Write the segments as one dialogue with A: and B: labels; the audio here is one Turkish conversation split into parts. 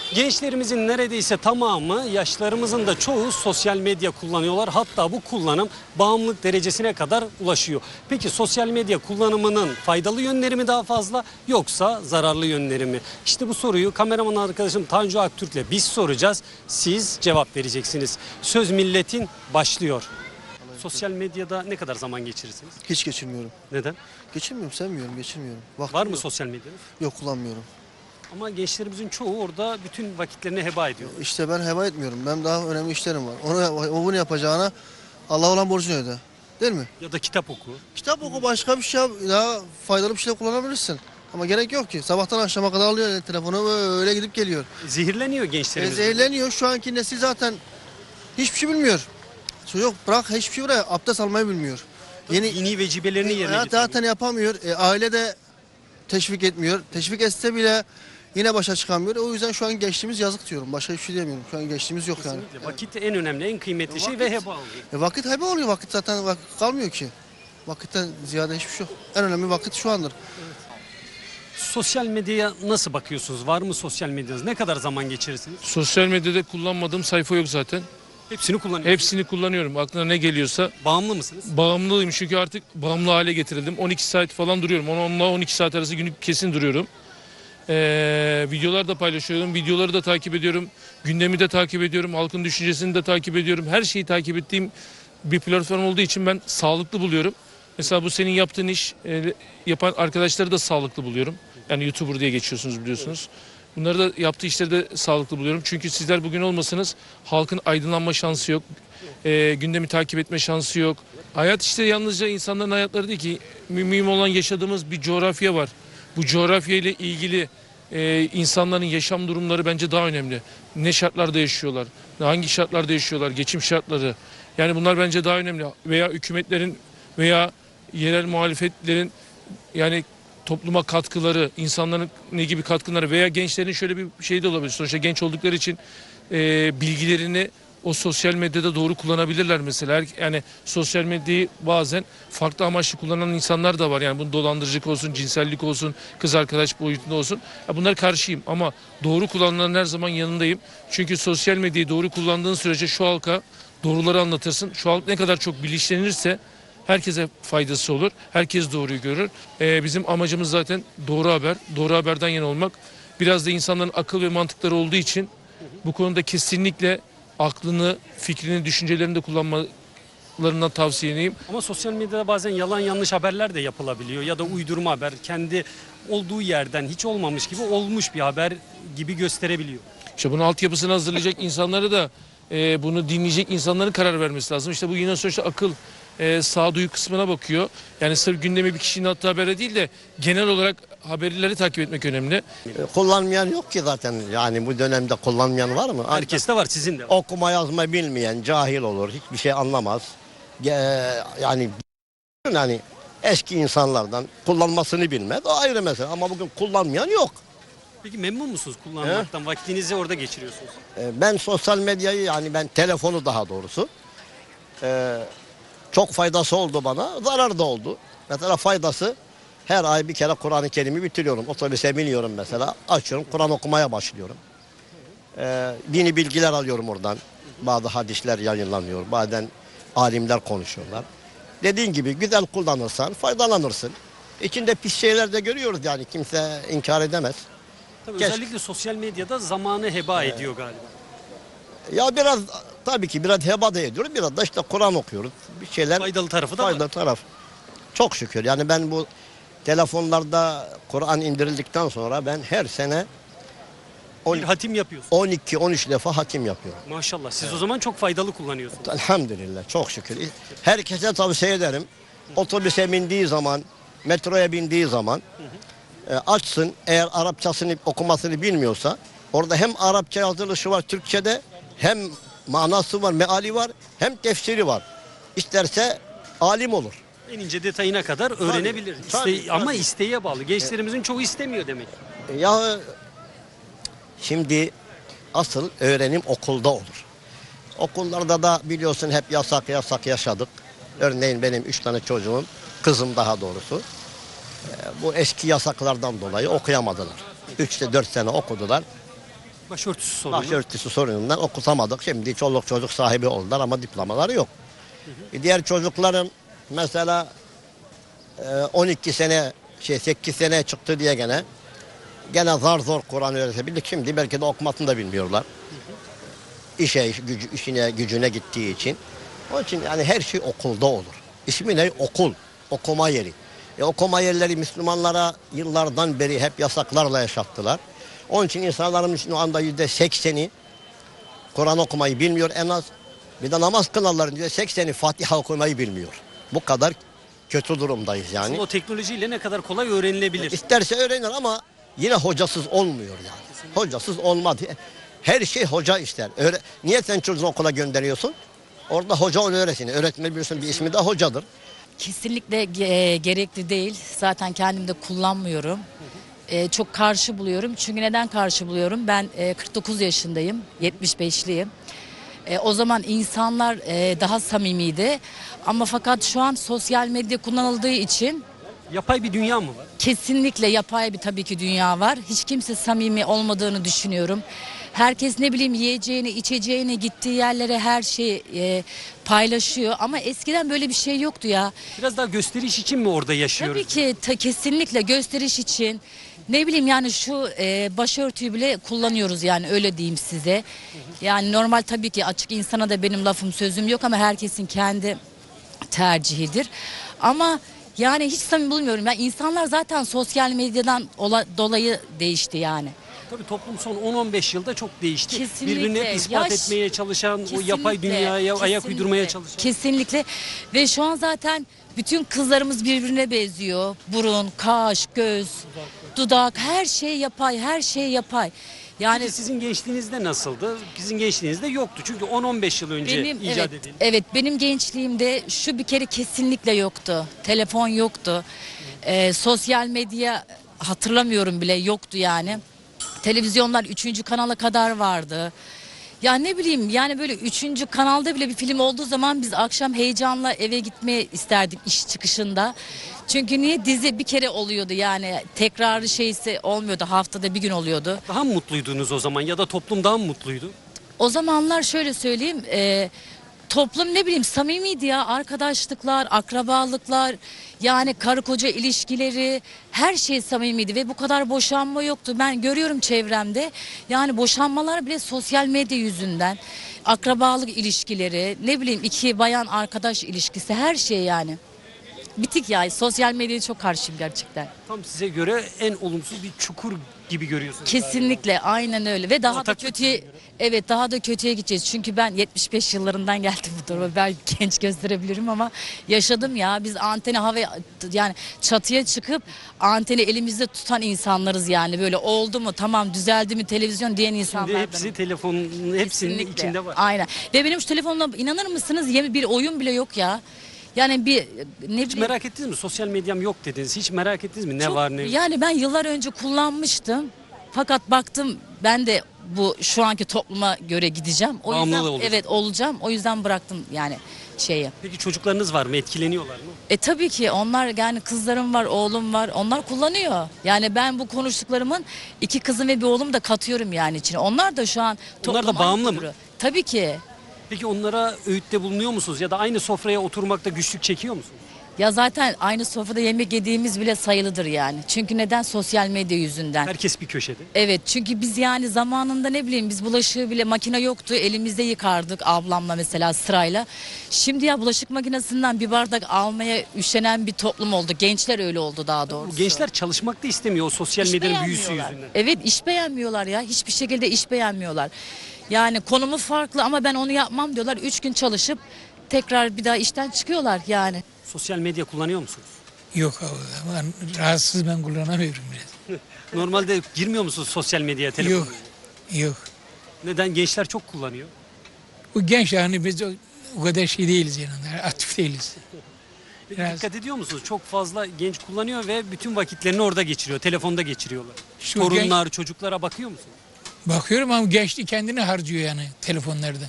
A: Gençlerimizin neredeyse tamamı, yaşlarımızın da çoğu sosyal medya kullanıyorlar. Hatta bu kullanım bağımlılık derecesine kadar ulaşıyor. Peki sosyal medya kullanımının faydalı yönleri mi daha fazla yoksa zararlı yönleri mi? İşte bu soruyu kameraman arkadaşım Tanju Aktürk'le biz soracağız. Siz cevap vereceksiniz. Söz milletin başlıyor. Sosyal medyada ne kadar zaman geçirirsiniz?
B: Hiç geçirmiyorum.
A: Neden?
B: Geçirmiyorum, sevmiyorum, geçirmiyorum. Vaktim
A: Var mı
B: yok.
A: sosyal medyanız?
B: Yok, kullanmıyorum.
A: Ama gençlerimizin çoğu orada bütün vakitlerini heba ediyor.
B: İşte ben heba etmiyorum. Ben daha önemli işlerim var. Bunu yapacağına Allah olan borcunu öde. Değil mi?
A: Ya da kitap oku.
B: Kitap oku, başka bir şey yap, daha faydalı bir şey kullanabilirsin. Ama gerek yok ki. Sabahtan akşama kadar alıyor telefonu, öyle gidip geliyor.
A: Zehirleniyor gençlerimiz.
B: Zehirleniyor. Şu anki nesil zaten hiçbir şey bilmiyor. Yok, bırak hiçbir şey, bırak abdest almayı bilmiyor.
A: Dini vecibelerini yerine
B: hayat
A: getiriyor.
B: zaten yapamıyor. Aile de teşvik etmiyor. Teşvik etse bile yine başa çıkamıyor. O yüzden şu an gençliğimiz yazık diyorum. Başka hiçbir şey demiyorum. Şu an gençliğimiz yok yani.
A: Kesinlikle. Vakit en önemli, en kıymetli şey ve heba oluyor.
B: Vakit heba oluyor. Vakit zaten kalmıyor ki. Vakitten ziyade hiçbir şey yok. En önemli vakit şu andır.
A: Sosyal medyaya nasıl bakıyorsunuz? Var mı sosyal medyanız? Ne kadar zaman geçirirsiniz?
C: Sosyal medyada kullanmadığım sayfa yok zaten.
A: Hepsini kullanıyorsunuz.
C: Hepsini kullanıyorum. Aklına ne geliyorsa.
A: Bağımlı mısınız?
C: Bağımlıyım çünkü artık bağımlı hale getirildim. 12 saat falan duruyorum. 10-12 saat arası günlük kesin duruyorum. Videolar da paylaşıyorum. Videoları da takip ediyorum. Gündemi de takip ediyorum. Halkın düşüncesini de takip ediyorum. Her şeyi takip ettiğim bir platform olduğu için ben sağlıklı buluyorum. Mesela bu senin yaptığın iş yapan arkadaşları da sağlıklı buluyorum. Yani YouTuber diye geçiyorsunuz biliyorsunuz. Bunları da yaptığı işleri de sağlıklı buluyorum. Çünkü sizler bugün olmasanız halkın aydınlanma şansı yok. Gündemi takip etme şansı yok. Hayat işte yalnızca insanların hayatları değil ki. Mühim olan yaşadığımız bir coğrafya var. Bu coğrafya ile ilgili insanların yaşam durumları bence daha önemli. Ne şartlarda yaşıyorlar, hangi şartlarda yaşıyorlar, geçim şartları. Yani bunlar bence daha önemli. Veya hükümetlerin veya yerel muhalefetlerin yani topluma katkıları, insanların ne gibi katkıları veya gençlerin şöyle bir şey de olabilir. Sonuçta genç oldukları için bilgilerini o sosyal medyada doğru kullanabilirler mesela. Yani sosyal medyayı bazen farklı amaçlı kullanan insanlar da var. Yani bu dolandırıcılık olsun, cinsellik olsun, kız arkadaş boyutunda olsun. Ya bunlar karşıyım ama doğru kullananların her zaman yanındayım. Çünkü sosyal medyayı doğru kullandığın sürece şu halka doğruları anlatırsın. Şu halk ne kadar çok bilinçlenirse herkese faydası olur. Herkes doğruyu görür. Bizim amacımız zaten doğru haber. Doğru haberden yana olmak. Biraz da insanların akıl ve mantıkları olduğu için bu konuda kesinlikle aklını, fikrini, düşüncelerini de kullanmalarından tavsiye.
A: Ama sosyal medyada bazen yalan yanlış haberler de yapılabiliyor. Ya da uydurma haber kendi olduğu yerden hiç olmamış gibi olmuş bir haber gibi gösterebiliyor.
C: İşte bunun altyapısını hazırlayacak insanları da bunu dinleyecek insanların karar vermesi lazım. İşte bu yine sonuçta akıl, sağduyu kısmına bakıyor. Yani sırf gündemi bir kişinin attığı habere değil de genel olarak haberleri takip etmek önemli.
D: Kullanmayan yok ki zaten. Yani bu dönemde kullanmayan var mı?
A: Herkeste var, sizin de var.
D: Okuma yazma bilmeyen cahil olur. Hiçbir şey anlamaz. Yani eski insanlardan kullanmasını bilmez. O ayrı mesele. Ama bugün kullanmayan yok.
A: Peki memnun musunuz kullanmaktan? Vaktinizi orada geçiriyorsunuz.
D: Ben sosyal medyayı yani ben telefonu daha doğrusu çok faydası oldu bana. Zarar da oldu. Mesela faydası her ay bir kere Kur'an-ı Kerim'i bitiriyorum. Otobüse biniyorum mesela. Açıyorum Kur'an okumaya başlıyorum. Dini bilgiler alıyorum oradan. Bazı hadisler yayınlanıyor. Bazen alimler konuşuyorlar. Dediğin gibi güzel kullanırsan faydalanırsın. İçinde pis şeyler de görüyoruz yani kimse inkar edemez.
A: Tabii
D: Geç.
A: özellikle sosyal medyada zamanı heba ediyor galiba.
D: Ya biraz tabii ki biraz heba da ediyoruz. Biraz da işte Kur'an okuyoruz. Bir şeyler
A: Faydalı tarafı da var.
D: faydalı taraf. Çok şükür. Yani ben bu telefonlarda Kur'an indirildikten sonra ben her sene
A: Bir hatim yapıyorsunuz.
D: 12-13 defa hatim yapıyorum.
A: Maşallah. Siz o zaman çok faydalı kullanıyorsunuz.
D: Elhamdülillah çok şükür. Herkese tavsiye ederim. Otobüse bindiği zaman, metroya bindiği zaman açsın. Eğer Arapçasını okumasını bilmiyorsa orada hem Arapça yazılışı var Türkçe'de hem manası var, meali var hem tefsiri var. İsterse alim olur.
A: En ince detayına kadar öğrenebilir.
D: Tabii,
A: Ama
D: tabii.
A: isteğe bağlı. Gençlerimizin çoğu istemiyor demek.
D: Ya şimdi asıl öğrenim okulda olur. Okullarda da biliyorsun hep yasak yaşadık. Örneğin benim 3 tane çocuğum, kızım daha doğrusu. Bu eski yasaklardan dolayı okuyamadılar. 3'te 4 sene okudular.
A: Başörtüsü sorunu.
D: Başörtüsü sorunundan okutamadık. Şimdi çoluk çocuk sahibi oldular ama diplomaları yok. Diğer çocukların mesela 12 sene 8 sene çıktı diye gene zar zor Kur'an öğretebildik. Şimdi belki de okumasını da bilmiyorlar. İşine gücüne gittiği için. Onun için yani her şey okulda olur. İsmi ne? Okul. Okuma yeri. Okuma yerleri Müslümanlara yıllardan beri hep yasaklarla yaşattılar. Onun için insanların şu anda %80'i Kur'an okumayı bilmiyor en az. Bir de namaz kılanların %80'i Fatiha okumayı bilmiyor. Bu kadar kötü durumdayız yani.
A: Aslında o teknolojiyle ne kadar kolay öğrenilebilir.
D: İsterse öğrenir ama yine hocasız olmuyor yani. Hocasız olmadı. Her şey hoca ister. Niye sen çocuğunu okula gönderiyorsun? Orada hoca onu öğretsin. Öğretmen biliyorsun bir ismi de hocadır.
E: Kesinlikle gerekli değil. Zaten kendim de kullanmıyorum. Çok karşı buluyorum. Çünkü neden karşı buluyorum? Ben 49 yaşındayım, 75'liyim. O zaman insanlar daha samimiydi. Ama fakat şu an sosyal medya kullanıldığı için
A: Yapay bir dünya mı var?
E: kesinlikle yapay bir tabii ki dünya var. Hiç kimse samimi olmadığını düşünüyorum. Herkes ne bileyim yiyeceğini, içeceğini, gittiği yerlere her şeyi paylaşıyor. Ama eskiden böyle bir şey yoktu ya.
A: Biraz daha gösteriş için mi orada yaşıyoruz?
E: Tabii ki kesinlikle gösteriş için. Ne bileyim yani şu başörtüyü bile kullanıyoruz yani öyle diyeyim size. Yani normal tabii ki açık insana da benim lafım sözüm yok ama herkesin kendi tercihidir. Ama yani hiç samimi bulmuyorum. Yani insanlar zaten sosyal medyadan dolayı değişti yani.
A: Tabii toplum son 10-15 yılda çok değişti.
E: Kesinlikle.
A: Birbirini hep ispat
E: Yaş-
A: etmeye çalışan, o
E: Kesinlikle,
A: yapay dünyaya ayak
E: kesinlikle,
A: uydurmaya çalışan.
E: Kesinlikle ve şu an zaten bütün kızlarımız birbirine benziyor. Burun, kaş, göz, dudak her şey yapay, her şey yapay. Yani
A: Peki sizin gençliğinizde nasıldı? Sizin gençliğinizde yoktu. Çünkü 10-15 yıl önce
E: benim
A: icat edildi.
E: evet benim gençliğimde şu bir kere kesinlikle yoktu. Telefon yoktu. Sosyal medya hatırlamıyorum bile yoktu yani. Televizyonlar 3. kanala kadar vardı. Ya ne bileyim yani böyle 3. kanalda bile bir film olduğu zaman biz akşam heyecanla eve gitmeye isterdik iş çıkışında. Çünkü niye dizi bir kere oluyordu yani tekrarı şeysi olmuyordu haftada bir gün oluyordu.
A: Daha mı mutluydunuz o zaman ya da toplum daha mı mutluydu?
E: O zamanlar şöyle söyleyeyim toplum ne bileyim samimiydi ya arkadaşlıklar, akrabalıklar yani karı koca ilişkileri her şey samimiydi ve bu kadar boşanma yoktu. Ben görüyorum çevremde yani boşanmalar bile sosyal medya yüzünden akrabalık ilişkileri ne bileyim iki bayan arkadaş ilişkisi her şey yani. Bitik ya sosyal medyaya çok karşıyım gerçekten.
A: Tam size göre en olumsuz bir çukur gibi görüyorsunuz.
E: Kesinlikle aynen öyle ve daha da
A: Bataklık
E: kötüye
A: gibi.
E: evet daha da kötüye gideceğiz. Çünkü ben 75 yıllarından geldim bu duruma. Ben genç gösterebilirim ama yaşadım ya. Biz anteni havaya yani çatıya çıkıp anteni elimizde tutan insanlarız yani. Böyle oldu mu tamam düzeldi mi televizyon diyen
A: Şimdi
E: insanlardan.
A: hepsi telefonun hepsinin
E: Kesinlikle.
A: içinde var.
E: Aynen. Ve benim şu telefonla inanır mısınız yeni bir oyun bile yok ya. Yani bir ne
A: Hiç
E: bileyim.
A: merak ettiniz mi? Sosyal medyam yok dediniz. Hiç merak ettiniz mi? Ne
E: Çok-
A: var ne yok?
E: Yani ben yıllar önce kullanmıştım. Fakat baktım ben de bu şu anki topluma göre gideceğim. O yüzden
A: Bağımlı olursun.
E: evet olacağım. O yüzden bıraktım yani şeyi.
A: Peki çocuklarınız var mı? Etkileniyorlar mı?
E: Tabii ki onlar yani kızlarım var, oğlum var. Onlar kullanıyor. Yani ben bu konuştuklarımın 2 kızım ve bir oğlum da katıyorum yani içine. Onlar da şu an
A: Onlar da
E: topluma
A: bağımlı
E: aykırı.
A: mı?
E: Tabii ki.
A: Peki onlara öğütte bulunuyor musunuz? Ya da aynı sofraya oturmakta güçlük çekiyor musunuz?
E: Ya zaten aynı sofrada yemek yediğimiz bile sayılıdır yani. Çünkü neden? Sosyal medya yüzünden.
A: Herkes bir köşede.
E: Evet çünkü biz yani zamanında ne bileyim biz bulaşığı bile makine yoktu elimizde yıkardık ablamla mesela sırayla. Şimdi ya bulaşık makinesinden bir bardak almaya üşenen bir toplum oldu. Gençler öyle oldu daha doğrusu.
A: Bu gençler çalışmak da istemiyor o sosyal
E: İş
A: medyanın büyüsü
E: beğenmiyorlar.
A: yüzünden.
E: Evet iş beğenmiyorlar ya hiçbir şekilde iş beğenmiyorlar. Yani konumu farklı ama ben onu yapmam diyorlar. 3 gün çalışıp tekrar bir daha işten çıkıyorlar yani.
A: Sosyal medya kullanıyor musunuz?
F: Yok abi ben rahatsız ben kullanamıyorum biraz.
A: Normalde girmiyor musunuz sosyal medyaya, telefona?
F: Yok. Yok.
A: Neden? Gençler çok kullanıyor.
F: Bu genç yani biz o kadar şey değiliz yani aktif değiliz.
A: Peki
F: Biraz-
A: dikkat ediyor musunuz? Çok fazla genç kullanıyor ve bütün vakitlerini orada geçiriyor. Telefonda geçiriyorlar.
F: Şu
A: Torunlar, çocuklara bakıyor musunuz?
F: Bakıyorum ama gençlik kendini harcıyor yani telefonlarda.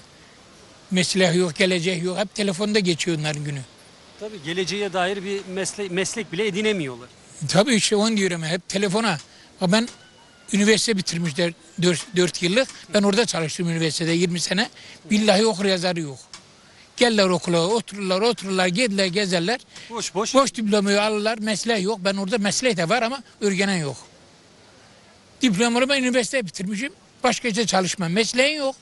F: Meslek yok, gelecek yok. Hep telefonda geçiyor onların günü.
A: Tabii geleceğe dair bir meslek bile edinemiyorlar.
F: Tabii işte onu diyorum hep telefona. Ama ben Üniversite bitirmişler 4 yıllık. Ben orada çalıştım üniversitede 20 sene. Billahi okur yazarı yok. Gelirler okula otururlar, gelirler gezerler. Boş diplomayı alırlar, mesleği yok. Ben orada mesleği de var ama örgenen yok. Diplomalı ben üniversite bitirmişim. Başka işte çalışmam. Mesleğin yok.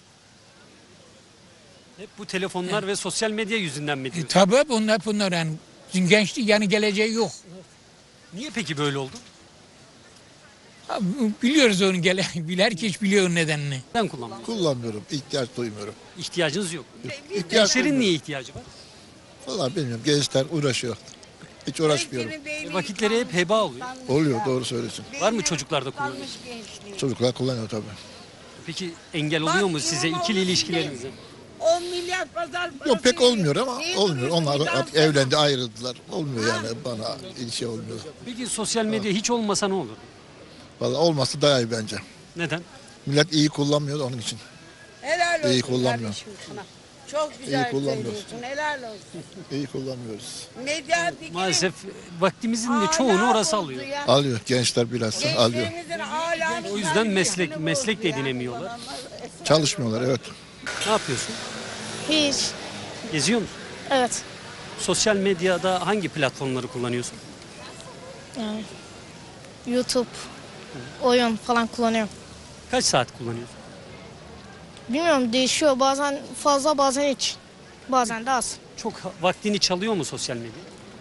A: Hep bu telefonlar ve sosyal medya yüzünden mi diyorsun?
F: Tabii bunlar yani gençlik yani geleceği yok.
A: Niye peki böyle oldu?
F: Ha, biliyoruz onu herkes biliyor onun nedenini.
A: Neden kullanmıyorsun?
G: Kullanmıyorum, ihtiyaç duymuyorum.
A: İhtiyacınız yok.
G: İhtiyaç
A: Gençlerin
G: duymuyorum.
A: niye ihtiyacı var?
G: Vallahi bilmiyorum, gençler uğraşıyor. Hiç uğraşmıyorum.
A: Vakitleri hep heba oluyor.
G: Oluyor, doğru söylüyorsun.
A: Var mı çocuklarda kullanıyor?
G: Çocuklar kullanıyor tabii.
A: Peki engel oluyor mu size ikili ilişkilerinize?
H: 10 milyar pazar parası.
G: Yok pek olmuyor ama
H: Neyin
G: olmuyor. Onlar
H: uğraşıyor?
G: artık evlendi, ayrıldılar. Olmuyor yani bana ilişki olmuyor.
A: Peki sosyal medya hiç olmasa ne olur?
G: Vallahi olması daha iyi bence.
A: Neden?
G: Millet iyi kullanmıyor da onun için.
H: Helal olsun
G: İyi kullanmıyor.
H: kardeşim sana. Çok güzel
G: kullanmıyoruz.
H: söylüyorsun. Helal olsun.
G: İyi kullanmıyoruz.
H: Medya bir kere
A: Maalesef vaktimizin de çoğunu
H: âlâ
A: orası
H: oldu
A: alıyor.
H: ya.
G: Alıyor, gençler bilhassa alıyor.
H: Gençlerimizin âlâ
A: O yüzden meslek de edinemiyorlar.
G: Çalışmıyorlar, evet.
A: Ne yapıyorsun?
I: Hiç.
A: Geziyor musun?
I: Evet.
A: Sosyal medyada hangi platformları kullanıyorsun?
I: Yani YouTube, oyun falan kullanıyorum.
A: Kaç saat kullanıyorsun?
I: Bilmiyorum değişiyor. Bazen fazla bazen hiç. Bazen de az.
A: Çok vaktini çalıyor mu sosyal medya?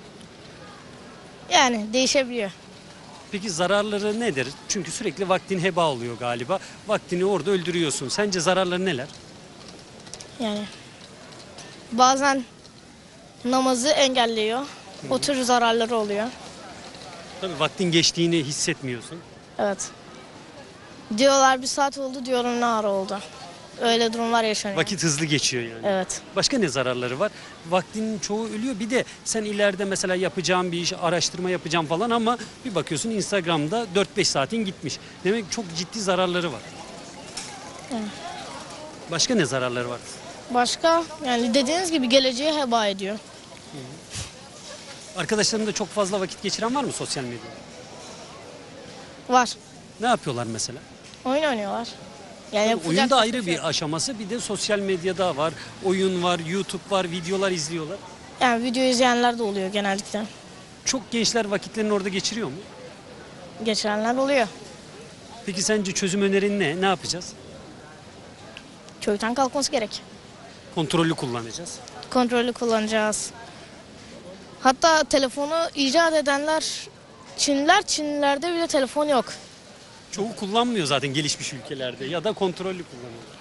I: Yani değişebiliyor.
A: Peki zararları nedir? Çünkü sürekli vaktin heba oluyor galiba. Vaktini orada öldürüyorsun. Sence zararları neler?
I: Yani bazen namazı engelliyor. O tür zararları oluyor.
A: Tabii vaktin geçtiğini hissetmiyorsun.
I: Evet. Diyorlar 1 saat oldu, diyorum ne ara oldu. Öyle durumlar yaşanıyor.
A: Vakit hızlı geçiyor yani.
I: Evet.
A: Başka ne zararları var? Vaktinin çoğu ölüyor. Bir de sen ileride mesela yapacağın bir iş, araştırma yapacağım falan ama bir bakıyorsun Instagram'da 4-5 saatin gitmiş. Demek ki çok ciddi zararları var. Başka ne zararları var?
I: Başka yani dediğiniz gibi geleceği heba ediyor.
A: Arkadaşlarında çok fazla vakit geçiren var mı sosyal medyada?
I: Var.
A: Ne yapıyorlar mesela?
I: Oyun oynuyorlar. Yani yapacak
A: Oyun da
I: başka
A: ayrı
I: şey yok.
A: bir aşaması. Bir de sosyal medyada var. Oyun var, YouTube var, videolar izliyorlar.
I: Yani video izleyenler de oluyor genellikle.
A: Çok gençler vakitlerini orada geçiriyor mu?
I: Geçirenler oluyor.
A: Peki sence çözüm önerin ne? Ne yapacağız?
I: Köyden kalkması gerek.
A: Kontrollü kullanacağız.
I: Kontrollü kullanacağız. Hatta telefonu icat edenler Çinlilerde bile telefon yok.
A: Çoğu kullanmıyor zaten gelişmiş ülkelerde ya da kontrollü kullanıyorlar.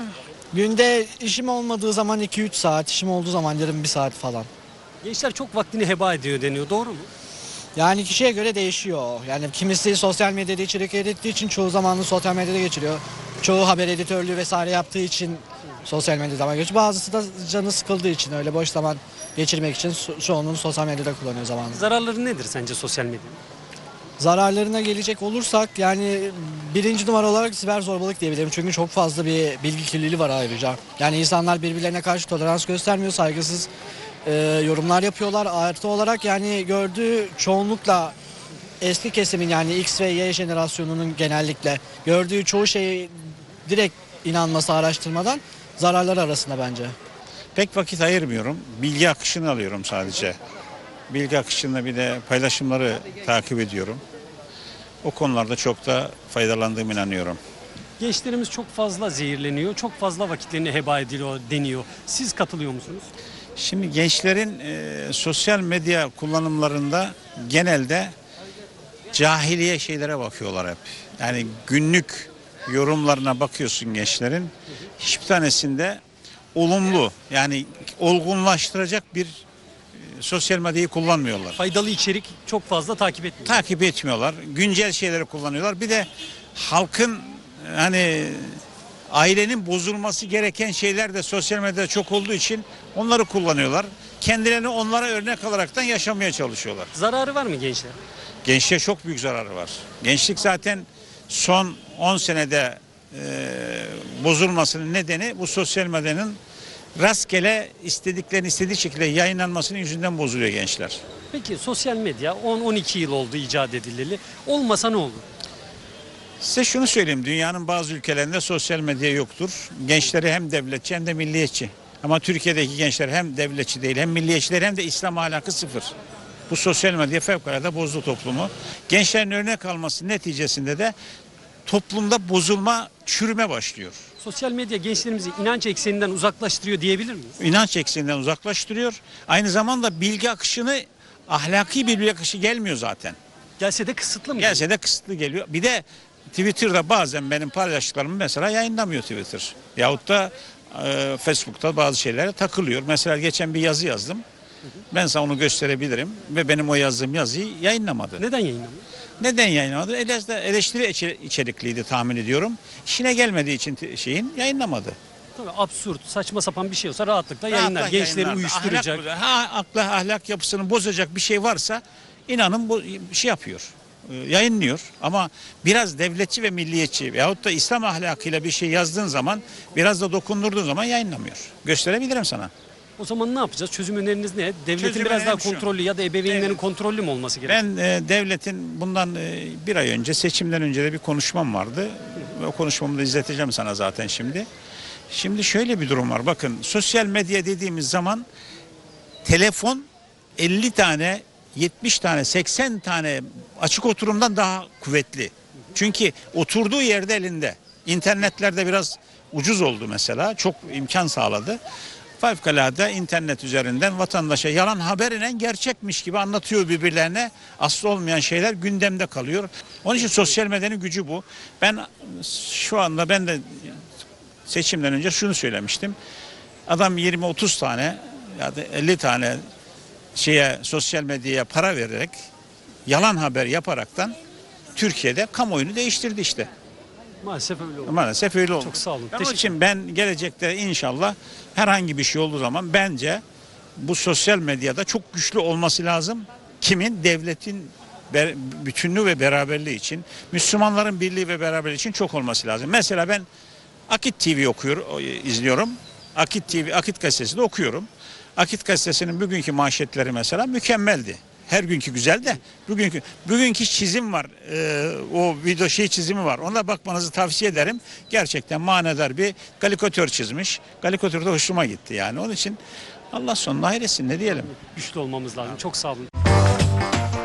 J: Günde işim olmadığı zaman 2-3 saat, işim olduğu zaman yarım 1 saat falan.
A: Gençler çok vaktini heba ediyor deniyor. Doğru mu?
J: Yani kişiye göre değişiyor. Yani kimisi sosyal medyada içerik ürettiği için çoğu zamanını sosyal medyada geçiriyor. Çoğu haber editörlüğü vesaire yaptığı için sosyal medyada zaman geçiriyor. Bazısı da canı sıkıldığı için öyle boş zaman geçirmek için çoğunluğunu sosyal medyada kullanıyor zamanını.
A: Zararları nedir sence sosyal medyanın?
J: Zararlarına gelecek olursak yani 1. numara olarak siber zorbalık diyebilirim. Çünkü çok fazla bir bilgi kirliliği var ayrıca. Yani insanlar birbirlerine karşı tolerans göstermiyor, saygısız yorumlar yapıyorlar. Artı olarak yani gördüğü çoğunlukla eski kesimin yani X ve Y jenerasyonunun genellikle gördüğü çoğu şeyi direkt inanması araştırmadan zararları arasında bence.
K: Pek vakit ayırmıyorum. Bilgi akışını alıyorum sadece. Bilgi akışında bir de paylaşımları takip ediyorum. O konularda çok da faydalandığıma inanıyorum.
A: Gençlerimiz çok fazla zehirleniyor, çok fazla vakitlerini heba ediliyor deniyor. Siz katılıyor musunuz?
K: Şimdi gençlerin sosyal medya kullanımlarında genelde cahiliye şeylere bakıyorlar hep. Yani günlük yorumlarına bakıyorsun gençlerin. Hiçbir tanesinde olumlu yani olgunlaştıracak bir sosyal medyayı kullanmıyorlar.
A: Faydalı içerik çok fazla takip etmiyor.
K: Takip etmiyorlar. Güncel şeyleri kullanıyorlar. Bir de halkın hani ailenin bozulması gereken şeyler de sosyal medyada çok olduğu için onları kullanıyorlar. Kendilerini onlara örnek alaraktan yaşamaya çalışıyorlar.
A: Zararı var mı gençler?
K: Gençliğe çok büyük zararı var. Gençlik zaten son 10 senede bozulmasının nedeni bu sosyal medyanın rastgele istediği şekilde yayınlanmasının yüzünden bozuluyor gençler.
A: Peki sosyal medya 10-12 yıl oldu icat edileli. Olmasa ne olur?
K: Size şunu söyleyeyim. Dünyanın bazı ülkelerinde sosyal medya yoktur. Gençleri hem devletçi hem de milliyetçi. Ama Türkiye'deki gençler hem devletçi değil hem milliyetçiler hem de İslam ahlakı sıfır. Bu sosyal medya fevkalade bozdu toplumu. Gençlerin örnek alması neticesinde de toplumda bozulma, çürüme başlıyor.
A: Sosyal medya gençlerimizi inanç ekseninden uzaklaştırıyor diyebilir miyiz?
K: İnanç ekseninden uzaklaştırıyor. Aynı zamanda bilgi akışını, ahlaki bir bilgi akışı gelmiyor zaten.
A: Gelse de kısıtlı mı?
K: Gelse de kısıtlı geliyor. Bir de Twitter'da bazen benim paylaştıklarımı mesela yayınlamıyor Twitter. Yahut da Facebook'ta bazı şeylere takılıyor. Mesela geçen bir yazı yazdım. Ben sana onu gösterebilirim. Ve benim o yazdığım yazıyı yayınlamadı.
A: Neden yayınlamıyor?
K: Neden yayınlamadı? Eleştiri içerikliydi tahmin ediyorum. İşine gelmediği için yayınlamadı.
A: Tabii absürt, saçma sapan bir şey olsa rahatlıkla yayınlar.
K: Rahatla
A: Gençleri
K: yayınlar.
A: uyuşturacak.
K: Ahlak yapısını bozacak bir şey varsa inanın bu şey yapıyor. Yayınlıyor ama biraz devletçi ve milliyetçi veyahut da İslam ahlakıyla bir şey yazdığın zaman, biraz da dokundurduğun zaman yayınlamıyor. Gösterebilirim sana.
A: O zaman ne yapacağız? Çözüm öneriniz ne? Devletin
K: Çözüm
A: biraz daha
K: önerim şu.
A: kontrollü ya da ebeveynlerin
K: Evet.
A: kontrollü mü olması gerekiyor?
K: Ben devletin bundan bir ay önce, seçimden önce de bir konuşmam vardı. O konuşmamı da izleteceğim sana zaten şimdi. Şimdi şöyle bir durum var. Bakın, sosyal medya dediğimiz zaman telefon 50 tane, 70 tane, 80 tane açık oturumdan daha kuvvetli. Çünkü oturduğu yerde elinde. İnternetlerde biraz ucuz oldu mesela. Çok imkan sağladı. Fevkalade internet üzerinden vatandaşa yalan haberle gerçekmiş gibi anlatıyor birbirlerine. Aslı olmayan şeyler gündemde kalıyor. Onun için sosyal medyanın gücü bu. Ben şu anda de seçimden önce şunu söylemiştim. Adam 20-30 tane ya da 50 tane sosyal medyaya para vererek yalan haber yaparaktan Türkiye'de kamuoyunu değiştirdi işte.
A: Maalesef öyle oldu.
K: Maalesef öyle oldu.
A: Çok sağ olun.
K: Onun
A: Teşekkür
K: için ben gelecekte inşallah herhangi bir şey olduğu zaman bence bu sosyal medyada çok güçlü olması lazım. Kimin? Devletin bütünlüğü ve beraberliği için, Müslümanların birliği ve beraberliği için çok olması lazım. Mesela ben Akit TV izliyorum. Akit TV, Akit Gazetesi de okuyorum. Akit Gazetesi'nin bugünkü manşetleri mesela mükemmeldi. Her günkü güzel de bugünkü çizim var. O video çizimi var. Ona bakmanızı tavsiye ederim. Gerçekten manidar bir karikatür çizmiş. Karikatür de hoşuma gitti yani. Onun için Allah sonuna hayretsin, ne diyelim.
A: Güçlü olmamız lazım. Çok sağ olun.